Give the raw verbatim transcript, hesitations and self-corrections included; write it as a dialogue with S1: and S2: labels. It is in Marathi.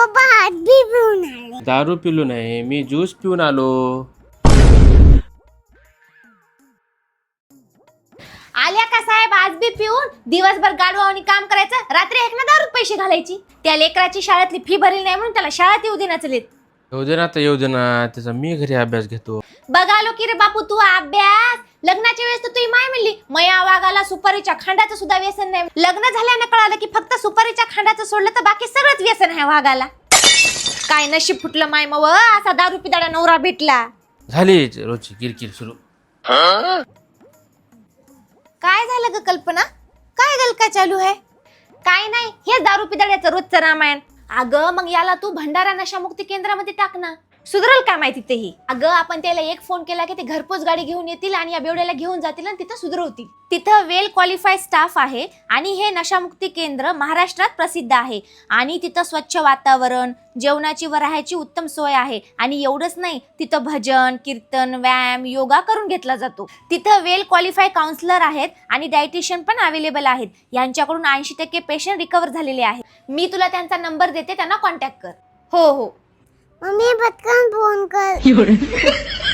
S1: भात बी पिऊन आले.
S2: दारू पिलो नाही मी, ज्यूस पिऊन आलो.
S3: आल्या का साहेब आज बी पिऊन? दिवसभर गाडवानी काम करायचं, रात्री एक ना दारूत पैसे घालायची. त्या लेकराची शाळेतली फी भरली नाही म्हणून त्याला शाळेत येऊ देण्यात चलेत.
S2: येऊ दे ना, तर येऊ दे ना, त्याचा मी घरी अभ्यास घेतो.
S3: बघालो की रे बापू तू अभ्यास. लग्नाच्या वेळेस तर तुझी माय म्हणली मया वागाला सुपारीच्या खांडाचं सुद्धा व्यसन नाही. लग्न झाल्यानं कळालं की फक्त सुपारीच्या खांडाचं सोडलं तर बाकी सगळंच व्यसन आहे वागाला. काय नशीब फुटलं माय मग असा दारू पिदाडा नवरा भेटला.
S2: झाली रोजची किरकिर सुरू.
S3: काय झालं ग कल्पना? काय गलका चालू आहे? काय नाही, हे दारू पिदाड्याचं रोजचं रामायण. अगं मग याला तू भंडारा नशामुक्ती केंद्रामध्ये टाक ना, सुधरल काय माहिती तेही. अगं आपण त्याला एक फोन केला की ते घरपोच गाडी घेऊन येतील आणि या बेवड्याला घेऊन जातील आणि तिथं सुधरवतील. तिथं वेल क्वालिफाईड स्टाफ आहे आणि हे नशामुक्ती केंद्र महाराष्ट्रात प्रसिद्ध आहे. आणि तिथं स्वच्छ वातावरण, जेवणाची व राहायची उत्तम सोय आहे. आणि एवढंच नाही, तिथं भजन कीर्तन व्यायाम योगा करून घेतला जातो. तिथं वेल क्वालिफाईड काउन्सिलर आहेत आणि डायटिशियन पण अवेलेबल आहेत. यांच्याकडून ऐंशी टक्के पेशंट रिकवर झालेले आहेत. मी तुला त्यांचा नंबर देते, त्यांना कॉन्टॅक्ट कर. हो हो
S1: मम्मी पटकन फोन कर.